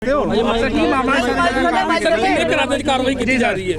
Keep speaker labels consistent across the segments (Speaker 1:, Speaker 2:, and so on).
Speaker 1: कार्रवाई की जा रही है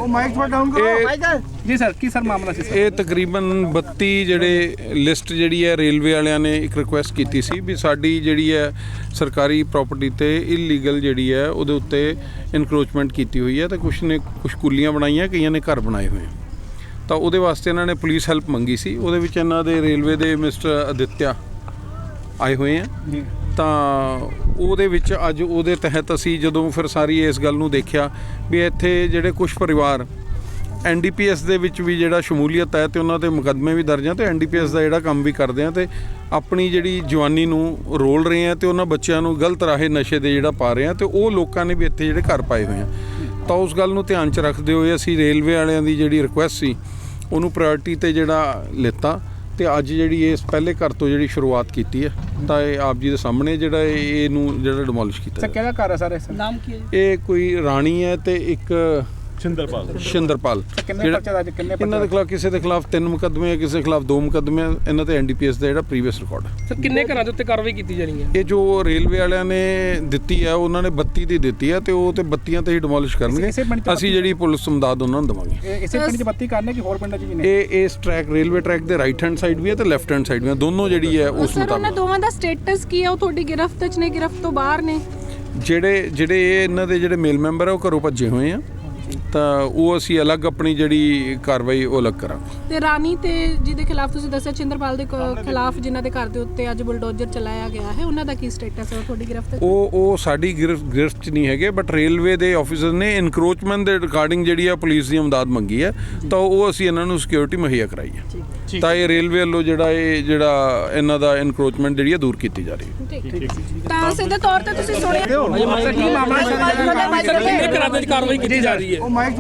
Speaker 2: जी सर की सर मामला सी
Speaker 3: ਇਹ ਤਕਰੀਬਨ 32 ਜਿਹੜੇ ਲਿਸਟ ਜਿਹੜੀ ਹੈ ਰੇਲਵੇ ਵਾਲਿਆਂ ਨੇ ਇੱਕ ਰਿਕੁਐਸਟ ਕੀਤੀ ਸੀ ਵੀ ਸਾਡੀ ਜਿਹੜੀ ਹੈ ਸਰਕਾਰੀ ਪ੍ਰਾਪਰਟੀ ਤੇ ਇਲੀਗਲ ਜਿਹੜੀ ਹੈ ਉਹਦੇ ਉੱਤੇ ਇਨਕਰੋਚਮੈਂਟ ਕੀਤੀ ਹੋਈ ਹੈ ਤੇ ਕੁਝ ਕੁੱਲੀਆਂ ਬਣਾਈਆਂ ਕਈਆਂ ਨੇ ਘਰ ਬਣਾਏ ਹੋਏ ਤਾਂ ਉਹਦੇ ਵਾਸਤੇ ਇਹਨਾਂ ਨੇ ਪੁਲਿਸ ਹੈਲਪ ਮੰਗੀ ਸੀ। ਉਹਦੇ ਵਿੱਚ ਇਹਨਾਂ ਦੇ ਰੇਲਵੇ ਦੇ ਮਿਸਟਰ ਅਦਿੱਤਿਆ ਆਏ ਹੋਏ ਆ ਤਾਂ ਉਹਦੇ ਵਿੱਚ ਅੱਜ ਉਹਦੇ ਤਹਿਤ ਅਸੀਂ ਜਦੋਂ ਫਿਰ ਸਾਰੀ ਇਸ ਗੱਲ ਨੂੰ ਦੇਖਿਆ ਵੀ ਇੱਥੇ ਜਿਹੜੇ ਕੁਝ ਪਰਿਵਾਰ NDPS ਦੇ ਵਿੱਚ ਵੀ ਜਿਹੜਾ ਸ਼ਮੂਲੀਅਤ ਹੈ ਤੇ ਉਹਨਾਂ ਦੇ ਮੁਕੱਦਮੇ ਵੀ ਦਰਜ ਆ ਤੇ NDPS ਦਾ ਜਿਹੜਾ ਕੰਮ ਵੀ ਕਰਦੇ ਆ ਤੇ ਆਪਣੀ ਜਿਹੜੀ ਜਵਾਨੀ ਨੂੰ ਰੋਲ ਰਹੇ ਆ ਤੇ ਉਹਨਾਂ ਬੱਚਿਆਂ ਨੂੰ ਗਲਤ ਰਾਹੇ ਨਸ਼ੇ ਦੇ ਜਿਹੜਾ ਪਾ ਰਹੇ ਆ ਤੇ ਉਹ ਲੋਕਾਂ ਨੇ ਵੀ ਇੱਥੇ ਜਿਹੜੇ ਘਰ ਪਾਏ ਹੋਏ ਆ ਤਾਂ ਉਸ ਗੱਲ ਨੂੰ ਧਿਆਨ 'ਚ ਰੱਖਦੇ ਹੋਏ ਅਸੀਂ ਰੇਲਵੇ ਵਾਲਿਆਂ ਦੀ ਜਿਹੜੀ ਰਿਕੁਐਸਟ ਸੀ ਉਹਨੂੰ ਪ੍ਰਾਇੋਰਟੀ ਤੇ ਜਿਹੜਾ ਲਿੱਤਾ ਤੇ ਅੱਜ ਜਿਹੜੀ ਇਸ ਪਹਿਲੇ ਘਰ ਤੋਂ ਜਿਹੜੀ ਸ਼ੁਰੂਆਤ ਕੀਤੀ ਹੈ ਤਾਂ ਇਹ ਆਪ ਜੀ ਦੇ ਸਾਹਮਣੇ ਜਿਹੜਾ ਇਹਨੂੰ ਜਿਹੜਾ ਡਿਮੋਲਿਸ਼ ਕੀਤਾ
Speaker 2: ਸਰ ਕਿਹੜਾ ਘਰ ਹੈ ਸਰ ਇਸ ਨਾਮ ਕੀ ਹੈ
Speaker 3: ਇਹ ਕੋਈ ਰਾਣੀ ਹੈ ਤੇ ਇੱਕ ਸ਼ਿੰਦਰਪਾਲ
Speaker 2: ਕਿੰਨੇ ਪਰਚੇ ਅੱਜ ਕਿੰਨੇ
Speaker 3: ਇਹਨਾਂ ਦੇ ਖਿਲਾਫ ਕਿਸੇ ਦੇ ਖਿਲਾਫ 3 ਮੁਕੱਦਮੇ ਹੈ ਕਿਸੇ ਦੇ ਖਿਲਾਫ 2 ਮੁਕੱਦਮੇ ਇਹਨਾਂ ਤੇ NDPS ਦਾ ਜਿਹੜਾ ਪ੍ਰੀਵੀਅਸ ਰਿਕਾਰਡ ਹੈ।
Speaker 1: ਸਰ ਕਿੰਨੇ ਘਰਾਂ ਦੇ ਉੱਤੇ ਕਾਰਵਾਈ ਕੀਤੀ ਜਾਣੀ ਹੈ?
Speaker 3: ਇਹ ਜੋ ਰੇਲਵੇ ਵਾਲਿਆਂ ਨੇ ਦਿੱਤੀ ਹੈ ਉਹਨਾਂ ਨੇ 32 ਦੀ ਦਿੱਤੀ ਹੈ ਤੇ ਉਹ ਤੇ 32 ਤੇ ਹੀ ਡਿਮੋਲਿਸ਼ ਕਰਨਗੇ। ਅਸੀਂ ਜਿਹੜੀ ਪੁਲਿਸ ਮਦਦ ਉਹਨਾਂ ਨੂੰ ਦੇਵਾਂਗੇ।
Speaker 2: ਇਸੇ ਪਿੰਡ 'ਚ 32 ਕਰਨੇ ਕਿ ਹੋਰ ਪਿੰਡਾਂ 'ਚ ਵੀ ਨੇ?
Speaker 3: ਇਹ ਇਸ ਟਰੈਕ ਰੇਲਵੇ ਟਰੈਕ ਦੇ ਰਾਈਟ ਹੈਂਡ ਸਾਈਡ ਵੀ ਹੈ ਤੇ ਲੈਫਟ ਹੈਂਡ ਸਾਈਡ ਵੀ ਹੈ ਦੋਨੋਂ ਜਿਹੜੀ ਹੈ ਉਸ
Speaker 4: ਮੁਤਾਬਕ। ਉਹਨਾਂ ਦੋਵਾਂ ਦਾ ਸਟੇਟਸ ਕੀ ਹੈ? ਉਹ ਤੁਹਾਡੀ ਗਿਰਫਤ 'ਚ ਨੇ ਗਿਰਫਤ ਤੋਂ ਬਾਹਰ ਨੇ?
Speaker 3: ਜਿਹੜੇ ਇਹ ਇਹਨਾਂ ਦੇ ਜਿਹੜੇ ਮੇਲ ਮੈਂਬਰ ਆ ਉਹ ਘਰੋਂ ਭੱਜੇ ਹੋਏ ਆ ਤਾਂ ਉਹ ਅਸੀਂ ਅਲੱਗ ਆਪਣੀ ਜਿਹੜੀ ਕਾਰਵਾਈ ਉਹ ਅਲੱਗ ਕਰਾਂਗੇ।
Speaker 4: ਤੇ ਰਾਣੀ ਤੇ ਜਿਹਦੇ ਖਿਲਾਫ ਤੁਸੀਂ ਦੱਸਿਆ ਚਿੰਦਰਪਾਲ ਦੇ ਖਿਲਾਫ ਜਿਨ੍ਹਾਂ ਦੇ ਘਰ ਦੇ ਉੱਤੇ ਅੱਜ ਬੁਲਡੋਜ਼ਰ ਚਲਾਇਆ ਗਿਆ ਹੈ ਉਹਨਾਂ ਦਾ ਕੀ ਸਟੇਟਸ ਹੈ? ਤੁਹਾਡੀ ਗਿਰਫਤ
Speaker 3: ਉਹ ਸਾਡੀ ਗਿਰਫਤ 'ਚ ਨਹੀਂ ਹੈਗੇ ਬਟ ਰੇਲਵੇ ਦੇ ਆਫੀਸਰ ਨੇ ਇਨਕਰੋਚਮੈਂਟ ਦੇ ਰਿਗਾਰਡਿੰਗ ਜਿਹੜੀ ਆ ਪੁਲਿਸ ਦੀ ਮਦਦ ਮੰਗੀ ਹੈ ਤਾਂ ਉਹ ਅਸੀਂ ਇਹਨਾਂ ਨੂੰ ਸਿਕਿਉਰਿਟੀ ਮੁਹੱਈਆ ਕਰਾਈ ਹੈ ਤਾਂ ਇਹ ਰੇਲਵੇ ਵੱਲੋਂ ਜਿਹੜਾ ਇਹਨਾਂ ਦਾ ਇਨਕਰੋਚਮੈਂਟ ਜਿਹੜੀ ਆ ਦੂਰ ਕੀਤੀ ਜਾ ਰਹੀ ਹੈ।
Speaker 4: ਤਾਂ ਸਿੱਧੇ ਤੌਰ ਤੇ ਤੁਸੀਂ ਸੁਣਿਆ
Speaker 1: ਕੀ ਮਾਮਲਾ कार्रवाई की जा रही है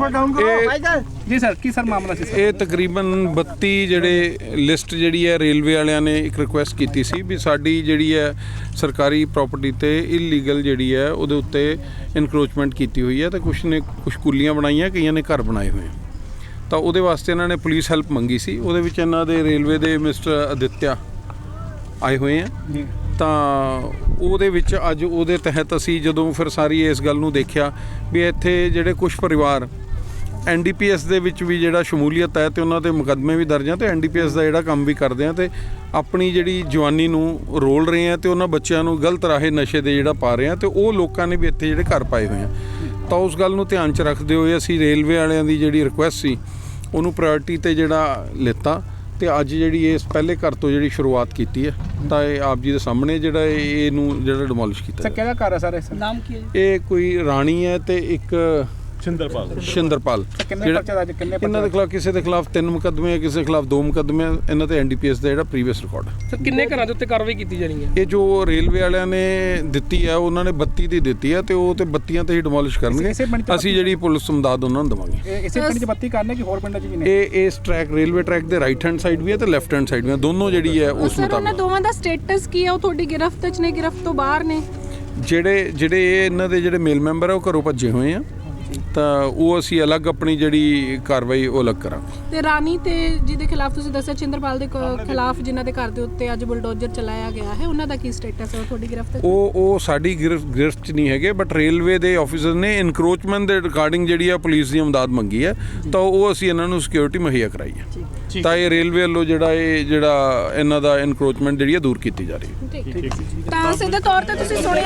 Speaker 2: ਜੀ ਸਰ ਕੀ ਸਰ ਮਾਮਲਾ ਸੀ
Speaker 3: ਇਹ ਤਕਰੀਬਨ 32 ਜਿਹੜੇ ਲਿਸਟ ਜਿਹੜੀ ਹੈ ਰੇਲਵੇ ਵਾਲਿਆਂ ਨੇ ਇੱਕ ਰਿਕੁਐਸਟ ਕੀਤੀ ਸੀ ਵੀ ਸਾਡੀ ਜਿਹੜੀ ਹੈ ਸਰਕਾਰੀ ਪ੍ਰਾਪਰਟੀ ਤੇ ਇਲੀਗਲ ਜਿਹੜੀ ਹੈ ਉਹਦੇ ਉੱਤੇ ਇਨਕਰੋਚਮੈਂਟ ਕੀਤੀ ਹੋਈ ਹੈ ਤੇ ਕੁਝ ਕੁੱਲੀਆਂ ਬਣਾਈਆਂ ਕਈਆਂ ਨੇ ਘਰ ਬਣਾਏ ਹੋਏ ਤਾਂ ਉਹਦੇ ਵਾਸਤੇ ਇਹਨਾਂ ਨੇ ਪੁਲਿਸ ਹੈਲਪ ਮੰਗੀ ਸੀ। ਉਹਦੇ ਵਿੱਚ ਇਹਨਾਂ ਦੇ ਰੇਲਵੇ ਦੇ ਮਿਸਟਰ ਅਦਿੱਤਿਆ ਆਏ ਹੋਏ ਆ ਤਾਂ ਉਹਦੇ ਵਿੱਚ ਅੱਜ ਉਹਦੇ ਤਹਿਤ ਅਸੀਂ ਜਦੋਂ ਫਿਰ ਸਾਰੀ ਇਸ ਗੱਲ ਨੂੰ ਦੇਖਿਆ ਵੀ ਇੱਥੇ ਜਿਹੜੇ ਕੁਝ ਪਰਿਵਾਰ NDPS ਦੇ ਵਿੱਚ ਵੀ ਜਿਹੜਾ ਸ਼ਮੂਲੀਅਤ ਹੈ ਤੇ ਉਹਨਾਂ ਦੇ ਮੁਕੱਦਮੇ ਵੀ ਦਰਜ ਆ ਤੇ NDPS ਦਾ ਜਿਹੜਾ ਕੰਮ ਵੀ ਕਰਦੇ ਆ ਤੇ ਆਪਣੀ ਜਿਹੜੀ ਜਵਾਨੀ ਨੂੰ ਰੋਲ ਰਹੇ ਆ ਤੇ ਉਹਨਾਂ ਬੱਚਿਆਂ ਨੂੰ ਗਲਤ ਰਾਹੇ ਨਸ਼ੇ ਦੇ ਜਿਹੜਾ ਪਾ ਰਹੇ ਆ ਤੇ ਉਹ ਲੋਕਾਂ ਨੇ ਵੀ ਇੱਥੇ ਜਿਹੜੇ ਘਰ ਪਾਏ ਹੋਏ ਆ ਤਾਂ ਉਸ ਗੱਲ ਨੂੰ ਧਿਆਨ 'ਚ ਰੱਖਦੇ ਹੋਏ ਅਸੀਂ ਰੇਲਵੇ ਵਾਲਿਆਂ ਦੀ ਜਿਹੜੀ ਰਿਕੁਐਸਟ ਸੀ ਉਹਨੂੰ ਪ੍ਰਾਇੋਰਟੀ ਤੇ ਜਿਹੜਾ ਲਿੱਤਾ ਤੇ ਅੱਜ ਜਿਹੜੀ ਇਸ ਪਹਿਲੇ ਘਰ ਤੋਂ ਜਿਹੜੀ ਸ਼ੁਰੂਆਤ ਕੀਤੀ ਹੈ ਤਾਂ ਇਹ ਆਪ ਜੀ ਦੇ ਸਾਹਮਣੇ ਜਿਹੜਾ ਇਹਨੂੰ ਜਿਹੜਾ ਡਿਮੋਲਿਸ਼ ਕੀਤਾ।
Speaker 2: ਸਰ ਕਿਹੜਾ ਘਰ ਹੈ ਸਰ ਇਸ ਨਾਮ ਕੀ ਹੈ?
Speaker 3: ਇਹ ਕੋਈ ਰਾਣੀ ਹੈ ਤੇ ਇੱਕ ਸ਼ਿੰਦਰਪਾਲ
Speaker 2: ਕਿੰਨੇ ਪਰਚੇ ਅੱਜ ਕਿੰਨੇ
Speaker 3: ਇਹਨਾਂ ਦੇ ਖਿਲਾਫ ਕਿਸੇ ਦੇ ਖਿਲਾਫ 3 ਮੁਕੱਦਮੇ ਹੈ ਕਿਸੇ ਦੇ ਖਿਲਾਫ 2 ਮੁਕੱਦਮੇ ਇਹਨਾਂ ਤੇ NDPS ਦਾ ਜਿਹੜਾ ਪ੍ਰੀਵੀਅਸ ਰਿਕਾਰਡ ਹੈ।
Speaker 1: ਸਰ ਕਿੰਨੇ ਘਰਾਂ ਦੇ ਉੱਤੇ ਕਾਰਵਾਈ ਕੀਤੀ ਜਾਣੀ ਹੈ?
Speaker 3: ਇਹ ਜੋ ਰੇਲਵੇ ਵਾਲਿਆਂ ਨੇ ਦਿੱਤੀ ਹੈ ਉਹਨਾਂ ਨੇ 32 ਦੀ ਦਿੱਤੀ ਹੈ ਤੇ ਉਹ ਤੇ 32 ਤੇ ਹੀ ਡਿਮੋਲਿਸ਼ ਕਰਨਗੇ। ਅਸੀਂ ਜਿਹੜੀ ਪੁਲਿਸ ਮਦਦ ਉਹਨਾਂ ਨੂੰ ਦੇਵਾਂਗੇ।
Speaker 2: ਇਸੇ ਪਿੰਡ 'ਚ 32 ਕਰਨੇ ਕਿ ਹੋਰ ਪਿੰਡਾਂ 'ਚ ਵੀ ਨੇ?
Speaker 3: ਇਸ ਟਰੈਕ ਰੇਲਵੇ ਟਰੈਕ ਦੇ ਰਾਈਟ ਹੈਂਡ ਸਾਈਡ ਵੀ ਹੈ ਤੇ ਲੈਫਟ ਹੈਂਡ ਸਾਈਡ ਵੀ ਹੈ ਦੋਨੋਂ ਜਿਹੜੀ ਹੈ ਉਸ
Speaker 4: ਮੁਤਾਬਕ। ਉਹਨਾਂ ਦੋਵਾਂ ਦਾ ਸਟੇਟਸ ਕੀ ਹੈ? ਉਹ ਤੁਹਾਡੀ ਗਿਰਫਤ 'ਚ ਨੇ ਗਿਰਫਤ ਤੋਂ ਬਾਹਰ ਨੇ?
Speaker 3: ਜਿਹੜੇ ਇਹਨਾਂ ਦੇ ਜਿਹੜੇ ਮੇਲ ਮੈਂਬਰ ਆ ਉਹ ਘਰੋਂ ਭੱਜੇ ਹੋਏ ਆ ਤਾਂ ਉਹ ਅਸੀਂ ਅਲੱਗ ਆਪਣੀ ਜਿਹੜੀ ਕਾਰਵਾਈ ਉਹ ਅਲੱਗ ਕਰਾਂਗੇ।
Speaker 4: ਤੇ ਰਾਣੀ ਤੇ ਜਿਹਦੇ ਖਿਲਾਫ ਤੁਸੀਂ ਦੱਸਿਆ ਚਿੰਦਰਪਾਲ ਦੇ ਖਿਲਾਫ ਜਿਨ੍ਹਾਂ ਦੇ ਘਰ ਦੇ ਉੱਤੇ ਅੱਜ ਬੁਲਡੋਜ਼ਰ ਚਲਾਇਆ ਗਿਆ ਹੈ ਉਹਨਾਂ ਦਾ ਕੀ ਸਟੇਟਸ ਹੈ? ਤੁਹਾਡੀ ਗਿਰਫਤ
Speaker 3: ਉਹ ਸਾਡੀ ਗਿਰਫਤ 'ਚ ਨਹੀਂ ਹੈਗੇ ਬਟ ਰੇਲਵੇ ਦੇ ਆਫੀਸਰ ਨੇ ਇਨਕਰੋਚਮੈਂਟ ਦੇ ਰਿਗਾਰਡਿੰਗ ਜਿਹੜੀ ਆ ਪੁਲਿਸ ਦੀ ਮਦਦ ਮੰਗੀ ਹੈ ਤਾਂ ਉਹ ਅਸੀਂ ਇਹਨਾਂ ਨੂੰ ਸਿਕਿਉਰਿਟੀ ਮੁਹੱਈਆ ਕਰਾਈ ਹੈ ਤਾਂ ਇਹ ਰੇਲਵੇ ਵੱਲੋਂ ਜਿਹੜਾ ਇਹਨਾਂ ਦਾ ਇਨਕਰੋਚਮੈਂਟ ਜਿਹੜੀ ਆ ਦੂਰ ਕੀਤੀ ਜਾ ਰਹੀ ਹੈ।
Speaker 4: ਤਾਂ ਸਿੱਧੇ ਤੌਰ ਤੇ ਤੁਸੀਂ ਸੁਣਿਆ